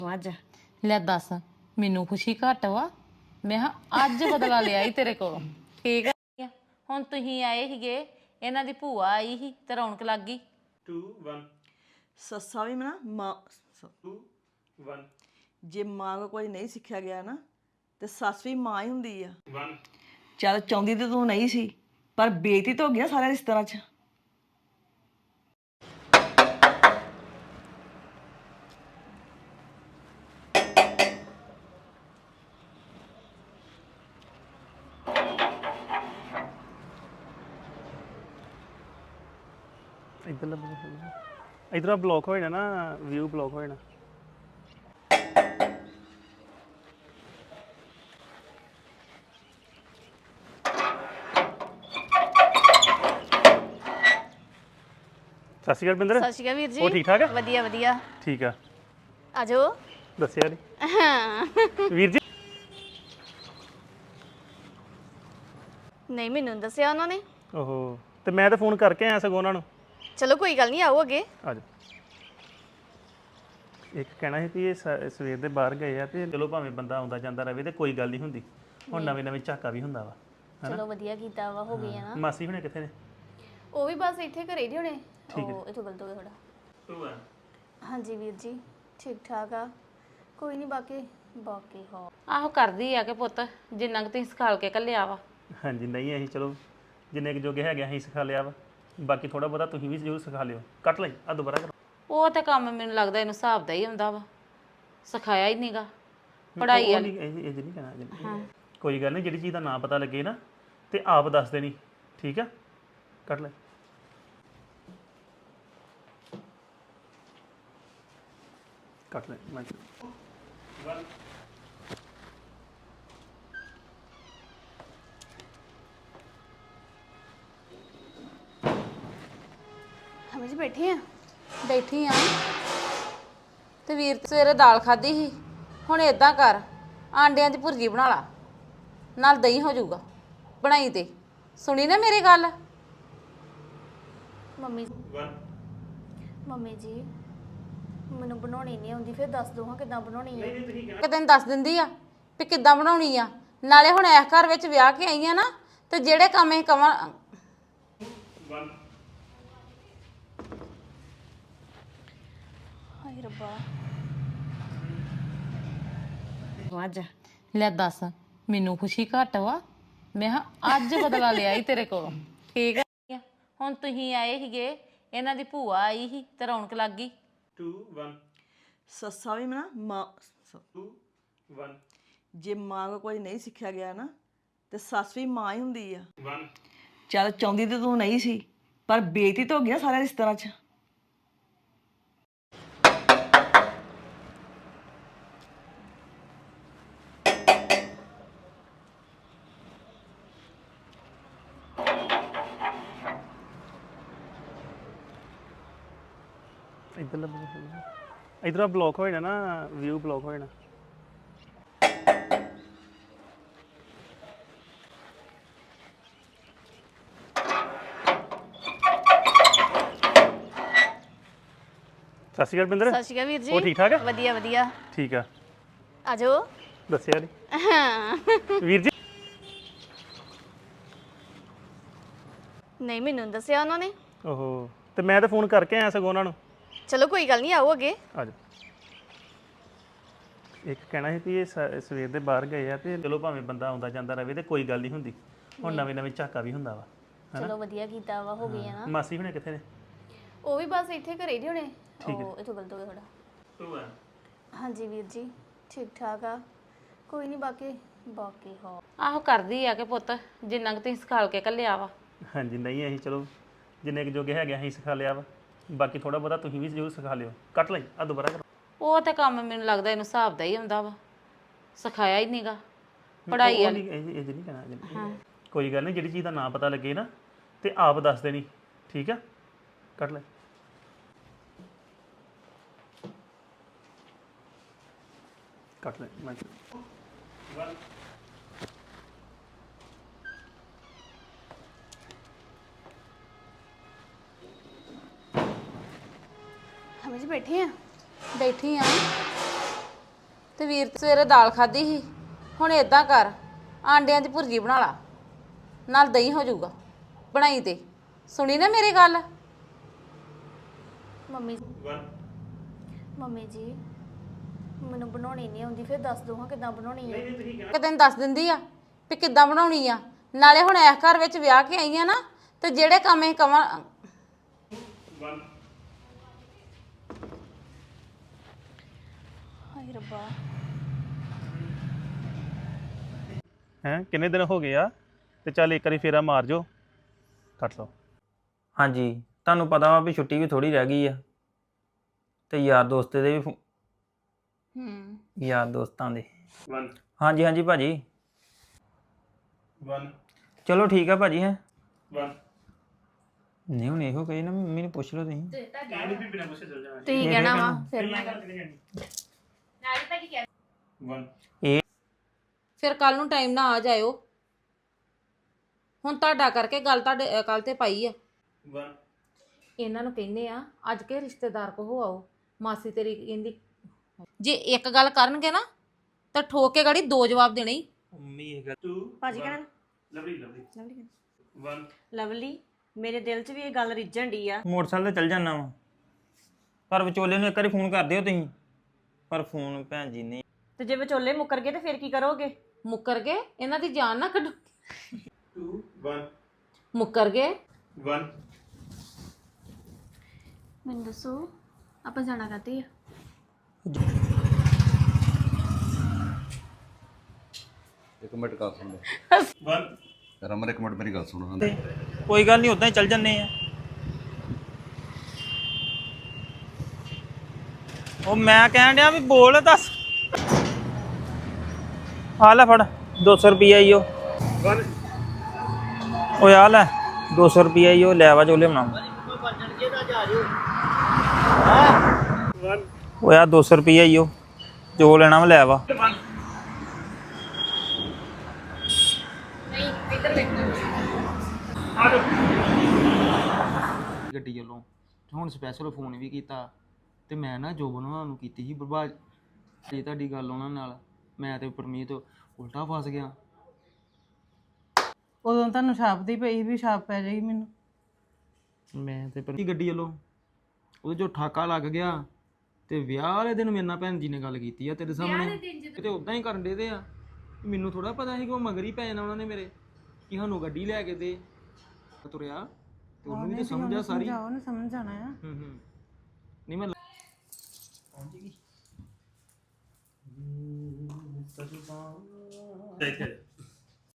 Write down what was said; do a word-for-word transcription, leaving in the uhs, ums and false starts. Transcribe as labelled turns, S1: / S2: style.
S1: ਅੱਜ
S2: ਲੈ ਦੱਸ ਮੈਨੂੰ ਖੁਸ਼ੀ ਘੱਟ ਵਾ ਮੈਂ ਕਿਹਾ ਅੱਜ ਬਦਲਾ ਲਿਆ ਈ ਤੇਰੇ ਕੋਲੋਂ ਠੀਕ ਆ ਹੁਣ ਤੁਸੀਂ ਆਏ ਸੀਗੇ ਇਹਨਾਂ ਦੀ ਭੂਆ ਆਈ ਸੀ ਤੇ ਰੌਣਕ ਲੱਗ ਗਈ
S3: two one
S1: ਸੱਸਾ ਵੀ ਨਾ ਮਾਂ
S3: two one
S1: ਜੇ ਮਾਂ ਕੋ ਕੋਈ ਨਹੀਂ ਸਿੱਖਿਆ ਗਿਆ ਨਾ ਤੇ ਸੱਸ ਵੀ ਮਾਂ ਹੀ ਹੁੰਦੀ ਆ
S3: one
S1: ਚੱਲ ਚਾਹੁੰਦੀ ਤੇ ਤੂੰ ਨਹੀਂ ਸੀ ਪਰ ਬੇਇੱਜ਼ਤੀ ਤਾਂ ਹੋ ਗਈ ਨਾ ਸਾਰੇ ਰਿਸ਼ਤੇਦਾਰਾਂ 'ਚ
S3: ਇਧਰ ਇਧਰ ਬਲੌਕ ਹੋ ਜਾਣਾ ਨਾ ਵਿਊ ਬਲੌਕ ਹੋ ਜਾਣਾ ਸਤਿ ਸ਼੍ਰੀ ਅਕਾਲ ਬਿੰਦਰ
S4: ਸਤਿ ਸ਼੍ਰੀ ਅਕਾਲ ਵੀਰ ਜੀ
S3: ਉਹ ਠੀਕ ਠਾਕ ਆ
S4: ਵਧੀਆ ਵਧੀਆ
S3: ਠੀਕ ਆ
S4: ਆਜੋ
S3: ਦੱਸਿਆ ਨਹੀਂ ਵੀਰ ਜੀ
S4: ਨਹੀਂ ਮੈਨੂੰ ਨੀ ਦੱਸਿਆ ਉਹਨਾਂ ਨੇ
S3: ਓਹੋ ਤੇ ਮੈਂ ਤਾਂ ਫੋਨ ਕਰਕੇ ਆਇਆ ਸਗੋਂ ਉਹਨਾਂ ਨੂੰ
S4: ਚਲੋ ਕੋਈ ਗੱਲ ਨਹੀਂ ਆਓ ਅੱਗੇ
S3: ਆ ਜਾ ਇੱਕ ਕਹਿਣਾ ਸੀ ਕਿ ਇਹ ਸ- ਸਵੇਰ ਦੇ ਬਾਹਰ ਗਏ ਆ ਤੇ ਚਲੋ ਭਾਵੇਂ ਬੰਦਾ ਆਉਂਦਾ ਜਾਂਦਾ ਰਹੇ ਤੇ ਕੋਈ ਗੱਲ ਨਹੀਂ ਹੁੰਦੀ ਹੁਣ ਨਵੇਂ ਨਵੇਂ ਝਾਕਾ ਵੀ ਹੁੰਦਾ ਵਾ
S4: ਚਲੋ ਵਧੀਆ ਕੀਤਾ ਵਾ ਹੋ ਗਈ ਆ ਨਾ
S3: ਮਾਸੀ ਹੁਣੇ ਕਿੱਥੇ ਨੇ
S4: ਉਹ ਵੀ ਬਸ ਇੱਥੇ ਘਰੇ ਹੀ ਹੋਣੇ ਉਹ ਇਥੋਂ ਗਲਤ ਹੋ ਗਿਆ ਥੋੜਾ
S3: two one
S4: ਹਾਂਜੀ ਵੀਰ ਜੀ ਠੀਕ ਠਾਕ ਆ ਕੋਈ ਨਹੀਂ ਬਾਕੀ ਬਾਕੀ ਹੋ
S2: ਆਹੋ ਕਰਦੀ ਆ ਕਿ ਪੁੱਤ ਜਿੰਨਾ ਕੁ ਤੁਸੀਂ ਸਿਖਾਲ ਕੇ ਕੱਲਿਆ ਵਾ
S3: ਹਾਂਜੀ ਨਹੀਂ ਅਸੀਂ ਚਲੋ ਜਿੰਨੇ ਕੁ ਜੋਗੇ ਹੈਗੇ ਅਸੀਂ ਸਿਖਾ ਲਿਆ ਵਾ ਬਾਕੀ ਥੋੜਾ ਬਹੁਤਾ ਤੁਸੀਂ ਵੀ ਜ਼ਰੂਰ ਸਿਖਾ ਲਿਓ ਕੱਟ ਲਈ ਆ ਦੁਬਾਰਾ ਕਰੋ
S2: ਉਹ ਤੇ ਕੰਮ ਮੈਨੂੰ ਲੱਗਦਾ ਇਹਨੂੰ ਹਿਸਾਬ ਦਾ ਹੀ ਹੁੰਦਾ ਵਾ ਸਿਖਾਇਆ ਹੀ ਨਹੀਂਗਾ ਪੜ੍ਹਾਈ
S3: ਉਹ
S2: ਵਾਲੀ
S3: ਨਹੀਂ ਇਹ ਇਹ ਨਹੀਂ ਕਹਿਣਾ ਜੀ। ਕੋਈ ਗੱਲ ਨਹੀਂ ਜਿਹੜੀ ਚੀਜ਼ ਦਾ ਨਾਂ ਪਤਾ ਲੱਗੇ ਨਾ ਤੇ ਆਪ ਦੱਸ ਦੇਣੀ ਠੀਕ ਆ ਕੱਟ ਲੈ ਕੱਟ ਲੈ ਮੈਂ one
S4: ਹਮੇ ਜੀ ਬੈਠੇ ਆ
S2: ਬੈਠੀ ਆ ਤੇ ਵੀਰ ਤੇ ਸਵੇਰੇ ਦਾਲ ਖਾਧੀ ਸੀ ਹੁਣ ਏਦਾਂ ਕਰ ਆਂਡਿਆਂ ਦੀ ਭੁਰਜੀ ਬਣਾ ਲਾ ਨਾਲ ਦਹੀਂ ਹੋ ਜਾਊਗਾ ਬਣਾਈ ਤੇ ਸੁਣੀ ਨਾ ਮੇਰੀ ਗੱਲ
S4: ਮੰਮੀ
S3: one
S4: ਮੰਮੀ ਜੀ ਮੈਨੂੰ ਬਣਾਉਣੀ ਨਹੀਂ ਆਉਂਦੀ ਫਿਰ ਦੱਸ ਦੋ ਹਾਂ ਕਿਦਾਂ ਬਣਾਉਣੀ ਹੈ
S2: ਕਿ ਤੈਨੂੰ ਦੱਸ ਦਿੰਦੀ ਆ ਵੀ ਕਿੱਦਾਂ ਬਣਾਉਣੀ ਆ ਨਾਲੇ ਹੁਣ ਇਸ ਘਰ ਵਿੱਚ ਵਿਆਹ ਕੇ ਆਈ ਆ ਨਾ ਤੇ ਜਿਹੜੇ ਕੰਮ ਇਹ ਕਵਾਂ
S3: one
S4: ਹਾਏ ਰੱਬਾ
S1: ਅੱਜ
S2: ਲੈ ਦੱਸ ਮੈਨੂੰ ਖੁਸ਼ੀ ਘੱਟ ਵਾ ਮੈਂ ਕਿਹਾ ਅੱਜ ਬਦਲਾ ਲਿਆ ਈ ਤੇਰੇ ਕੋਲੋਂ ਠੀਕ ਆ ਹੁਣ ਤੁਸੀਂ ਆਏ ਸੀਗੇ ਇਹਨਾਂ ਦੀ ਭੂਆ ਆਈ ਸੀ ਤੇ ਰੌਣਕ ਲੱਗ ਗਈ
S3: two one
S1: ਸੱਸਾ ਵੀ ਨਾ ਮਾਂ
S3: two one
S1: ਜੇ ਮਾਂ ਕੋ ਕੋਈ ਨਹੀਂ ਸਿੱਖਿਆ ਗਿਆ ਨਾ ਤੇ ਸੱਸ ਵੀ ਮਾਂ ਹੀ ਹੁੰਦੀ ਆ
S3: one
S1: ਚੱਲ ਚਾਹੁੰਦੀ ਤੇ ਤੂੰ ਨਹੀਂ ਸੀ ਪਰ ਬੇਇੱਜ਼ਤੀ ਤਾਂ ਹੋ ਗਈ ਨਾ ਸਾਰੇ ਰਿਸ਼ਤੇਦਾਰਾਂ 'ਚ
S3: ਇਧਰ ਇਧਰ ਬਲੌਕ ਹੋ ਜਾਣਾ ਨਾ ਵਿਊ ਬਲੌਕ ਹੋ ਜਾਣਾ ਸਤਿ ਸ਼੍ਰੀ ਅਕਾਲ ਬਿੰਦਰ
S4: ਸਤਿ ਸ਼੍ਰੀ ਅਕਾਲ ਵੀਰ ਜੀ
S3: ਉਹ ਠੀਕ ਠਾਕ ਆ
S4: ਵਧੀਆ ਵਧੀਆ
S3: ਠੀਕ ਆ
S4: ਆਜੋ
S3: ਦੱਸਿਆ ਨਹੀਂ ਵੀਰ ਜੀ
S4: ਨਹੀਂ ਮੈਨੂੰ ਨੀ ਦੱਸਿਆ ਉਹਨਾਂ ਨੇ
S3: ਓਹੋ ਤੇ ਮੈਂ ਤਾਂ ਫੋਨ ਕਰਕੇ ਆਇਆ ਸਗੋਂ ਉਹਨਾਂ ਨੂੰ
S4: ਚਲੋ ਕੋਈ ਗੱਲ ਨਹੀਂ ਆਓ ਅੱਗੇ
S3: ਆ ਜਾ ਇੱਕ ਕਹਿਣਾ ਸੀ ਕਿ ਇਹ ਸ- ਸਵੇਰ ਦੇ ਬਾਹਰ ਗਏ ਆ ਤੇ ਚਲੋ ਭਾਵੇਂ ਬੰਦਾ ਆਉਂਦਾ ਜਾਂਦਾ ਰਹੇ ਤੇ ਕੋਈ ਗੱਲ ਨਹੀਂ ਹੁੰਦੀ ਹੁਣ ਨਵੇਂ ਨਵੇਂ ਝਾਕਾ ਵੀ ਹੁੰਦਾ ਵਾ
S4: ਚਲੋ ਵਧੀਆ ਕੀਤਾ ਵਾ ਹੋ ਗਈ ਆ ਨਾ
S3: ਮਾਸੀ ਹੁਣੇ ਕਿੱਥੇ ਨੇ
S4: ਉਹ ਵੀ ਬਸ ਇੱਥੇ ਘਰੇ ਹੀ ਹੋਣੇ ਉਹ ਇਥੋਂ ਗਲਤ ਹੋ ਗਿਆ ਥੋੜਾ
S3: two one
S4: ਹਾਂਜੀ ਵੀਰ ਜੀ ਠੀਕ ਠਾਕ ਆ ਕੋਈ ਨਹੀਂ ਬਾਕੀ ਬਾਕੀ ਹੋ
S2: ਆਹੋ ਕਰਦੀ ਆ ਕਿ ਪੁੱਤ ਜਿੰਨਾ ਕੁ ਤੁਸੀਂ ਸਿਖਾਲ ਕੇ ਕੱਲਿਆ ਵਾ
S3: ਹਾਂਜੀ ਨਹੀਂ ਅਸੀਂ ਚਲੋ ਜਿੰਨੇ ਕੁ ਜੋਗੇ ਹੈਗੇ ਅਸੀਂ ਸਿਖਾ ਲਿਆ ਵਾ ਬਾਕੀ ਥੋੜਾ ਬਹੁਤਾ ਤੁਸੀਂ ਵੀ ਜ਼ਰੂਰ ਸਿਖਾ ਲਿਓ ਕੱਟ ਲਈ ਆ ਦੁਬਾਰਾ ਕਰੋ
S2: ਉਹ ਤੇ ਕੰਮ ਮੈਨੂੰ ਲੱਗਦਾ ਇਹਨੂੰ ਹਿਸਾਬ ਦਾ ਹੀ ਹੁੰਦਾ ਵਾ ਸਿਖਾਇਆ ਹੀ ਨਹੀਂਗਾ ਪੜ੍ਹਾਈ
S3: ਉਹ
S2: ਵਾਲੀ
S3: ਨਹੀਂ ਇਹ ਇਹ ਨਹੀਂ ਕਹਿਣਾ ਜੀ। ਕੋਈ ਗੱਲ ਨਹੀਂ ਜਿਹੜੀ ਚੀਜ਼ ਦਾ ਨਾਂ ਪਤਾ ਲੱਗੇ ਨਾ ਤੇ ਆਪ ਦੱਸ ਦੇਣੀ ਠੀਕ ਆ ਕੱਟ ਲੈ ਕੱਟ ਲੈ ਮੈਂ one
S4: ਹਮੇ ਜੀ ਬੈਠੇ ਆ
S2: ਬੈਠੀ ਆ ਤੇ ਵੀਰ ਤੇ ਸਵੇਰੇ ਦਾਲ ਖਾਧੀ ਸੀ। ਹੁਣ ਇਦਾਂ ਕਰ, ਆਂਡਿਆਂ ਦੀ ਭੁਰਜੀ ਬਣਾ ਲਾ, ਨਾਲ ਦਹੀਂ ਹੋ ਜਾਊਗਾ ਬਣਾਈ ਤੇ। ਸੁਣੀ ਨਾ ਮੇਰੀ ਗੱਲ?
S4: ਮੰਮੀ ਮੰਮੀ ਜੀ ਮੈਨੂੰ ਬਣਾਉਣੀ ਨਹੀਂ ਆਉਂਦੀ ਫਿਰ ਦੱਸ ਦੋ ਹਾਂ ਕਿੱਦਾਂ ਬਣਾਉਣੀ ਹੈ।
S2: ਕਿ ਤੈਨੂੰ ਦੱਸ ਦਿੰਦੀ ਆ ਵੀ ਕਿੱਦਾਂ ਬਣਾਉਣੀ ਆ। ਨਾਲੇ ਹੁਣ ਇਸ ਘਰ ਵਿੱਚ ਵਿਆਹ ਕੇ ਆਈ ਆ ਨਾ, ਤੇ ਜਿਹੜੇ ਕੰਮ ਇਹ ਕਵਾਂ
S4: ਹਾਏ ਰੱਬਾ
S3: ਹੈ ਕਿੰਨੇ ਦਿਨ ਹੋ ਗਏ ਆ ਤੇ ਚੱਲ ਇੱਕ ਵਾਰੀ ਫੇਰਾ ਮਾਰ ਜੋ, ਕੱਟ ਲਓ।
S5: ਹਾਂਜੀ ਤੁਹਾਨੂੰ ਪਤਾ ਵਾ ਵੀ ਛੁੱਟੀ ਵੀ ਥੋੜੀ ਰਹਿ ਗਈ ਆ ਤੇ ਯਾਰ ਦੋਸਤ ਦੇ ਵੀ ਫੋ-
S2: ਹੂੰ
S5: ਯਾਰ ਦੋਸਤਾਂ ਦੇ
S3: ਵਨ
S5: ਹਾਂਜੀ ਹਾਂਜੀ ਭਾਜੀ
S3: ਵਨ
S5: ਚਲੋ ਠੀਕ ਆ ਭਾਜੀ ਹੈ
S3: ਵਨ
S5: ਨਹੀਂ ਹੁਣ ਇਹੋ ਕਹੀ ਨਾ ਮੰਮੀ ਨੂੰ ਪੁੱਛ ਲਓ ਤੁਸੀਂ
S3: ਇਹ ਵੀ ਬਿਨਾਂ ਪੁੱਛੇ ਚੱਲ ਜਾਣਾ
S4: ਤੁਸੀਂ ਕਹਿਣਾ ਵਾ ਫਿਰ ਮੈਂ
S3: ਵਨ
S2: ਫਿਰ ਕੱਲ ਨੂੰ ਟਾਈਮ ਨਾਲ ਆ ਜਾਇਓ। ਹੁਣ ਤੁਹਾਡਾ ਕਰਕੇ ਗੱਲ ਤੁਹਾਡੇ ਕੱਲ ਤੇ ਪਾਈ ਆ।
S3: ਵਨ
S2: ਇਹਨਾਂ ਨੂੰ ਕਹਿੰਦੇ ਆ ਅੱਜ ਕੇ ਰਿਸ਼ਤੇਦਾਰ ਕੋ ਹੋ ਆਓ। ਮਾਸੀ ਤੇਰੀ ਕਹਿੰਦੀ ਜੇ ਇੱਕ ਗੱਲ ਕਰਨਗੇ ਨਾ ਤਾਂ ਠੋਕ ਕੇ ਗਾੜੀ ਦੋ ਜਵਾਬ ਦੇਣੇ ਹੀ।
S5: ਮੰਮੀ ਇਹ ਗੱਲ
S3: ਟੂ
S6: ਭਾਜੀ ਕਹਿਣ
S3: lovely lovely
S6: lovely
S3: one
S6: lovely ਮੇਰੇ ਦਿਲ 'ਚ ਵੀ ਇਹ ਗੱਲ ਰਿੱਝਣ ਡਈ ਆ।
S5: ਮੋਟਰਸਾਈਕਲ ਤੇ ਚੱਲ ਜਾਣਾ ਵਾ, ਪਰ ਵਿਚੋਲੇ ਨੂੰ ਇੱਕ ਵਾਰੀ ਫੋਨ ਕਰ ਦਿਓ ਤੁਸੀਂ। ਪਰ ਫੋਨ ਭੈਣ ਜੀ ਨੇ
S6: ਤੇ ਜੇ ਵਿਚੋਲੇ ਮੁੱਕਰ ਗਏ ਤੇ ਫਿਰ ਕੀ ਕਰੋਗੇ?
S2: ਮੁੱਕਰ ਗਏ ਇਹਨਾਂ ਦੀ ਜਾਨ ਨਾ ਕੱਢੋ।
S3: ਟੂ ਵਨ
S2: ਮੁੱਕਰ ਗਏ
S3: ਵਨ
S4: ਮੈਨੂੰ ਦੱਸੋ ਆਪਾਂ ਜਾਣਾ ਕਾਤੇ ਆ?
S7: ਇੱਕ ਮਿੰਟ ਗੱਲ ਸੁਣ
S3: ਵਨ
S7: ਰਮਨ ਇੱਕ ਮਿੰਟ ਮੇਰੀ ਗੱਲ ਸੁਣ
S5: ਕੋਈ ਗੱਲ ਨਹੀਂ ਉਦਾਂ ਹੀ ਚੱਲ ਜੰਨੇ ਆ। ਉਹ ਮੈਂ ਕਹਿਣ ਡਿਆ ਵੀ ਬੋਲ ਦੱਸ। ਆ ਲੈ ਫੜ ਦੋ ਸੌ ਰੁਪਈਆ ਈ ਉਹ
S3: ਵਨ
S5: ਓਏ ਆ ਲੈ ਦੋ ਸੌ ਰੁਪਈਆ ਈ ਉਹ ਲੈ ਵਾ ਚੋਲੇ ਬਣਾ।
S3: ਵਨ
S5: ਓਏ ਆ ਦੋ ਸੌ ਰੁਪਈਆ ਈ ਉਹ ਜੋ ਲੈਣਾ ਵਾ ਲੈ ਵਾ।
S8: ਗੱਡੀ ਵੱਲੋਂ ਤੇ ਹੁਣ ਸਪੈਸ਼ਲ ਫੋਨ ਵੀ ਕੀਤਾ ਤੇ ਮੈਂ ਨਾ ਜੋਬਨ ਉਹਨਾਂ ਨੂੰ ਕੀਤੀ ਸੀ ਬਰਬਾਦ ਇਹ ਤੁਹਾਡੀ ਗੱਲ ਉਹਨਾਂ ਨਾਲ ਮੈਂ ਤੇ ਪਰਮੀਤ ਉਲਟਾ ਫਸ ਗਿਆ।
S9: ਉਦੋਂ ਤੁਹਾਨੂੰ ਛਾਪ ਦੀ ਪਈ ਵੀ ਛਾਪ ਪੈ ਜਾਏਗੀ ਮੈਨੂੰ।
S8: ਮੈਂ ਤੇ ਪਰਮੀਤ ਗੱਡੀ ਵੱਲੋਂ ਉਹਦੇ ਜੋ ਠਾਕਾ ਲੱਗ ਗਿਆ ਤੇ ਵਿਆਹ ਵਾਲੇ ਦਿਨ ਮੇਰੇ ਨਾਲ ਭੈਣ ਜੀ ਨੇ ਗੱਲ ਕੀਤੀ ਆ ਤੇਰੇ ਸਾਹਮਣੇ ਤੇ ਉਦਾਂ ਹੀ ਕਰਨ ਦੇ ਤੇ ਆ। ਮੈਨੂੰ ਥੋੜਾ ਪਤਾ ਸੀ ਕਿ ਉਹ ਮਗਰ ਹੀ ਪੈ ਜਾਣਾ ਉਹਨਾਂ ਨੇ ਮੇਰੇ ਕਿ ਸਾਨੂੰ ਗੱਡੀ ਲੈ ਕੇ ਦੇ ਤੁਰਿਆ ਤੇ ਉਹਨੂੰ ਵੀ ਤਾਂ ਸਮਝ ਆ ਸਾਰੀ।
S9: ਜਾਓ ਨਾ ਸਮਝ ਜਾਣਾ ਆ।
S8: ਹੂੰ ਹੂੰ ਨਹੀਂ ਮੈਂ
S3: ਇੱਥੇ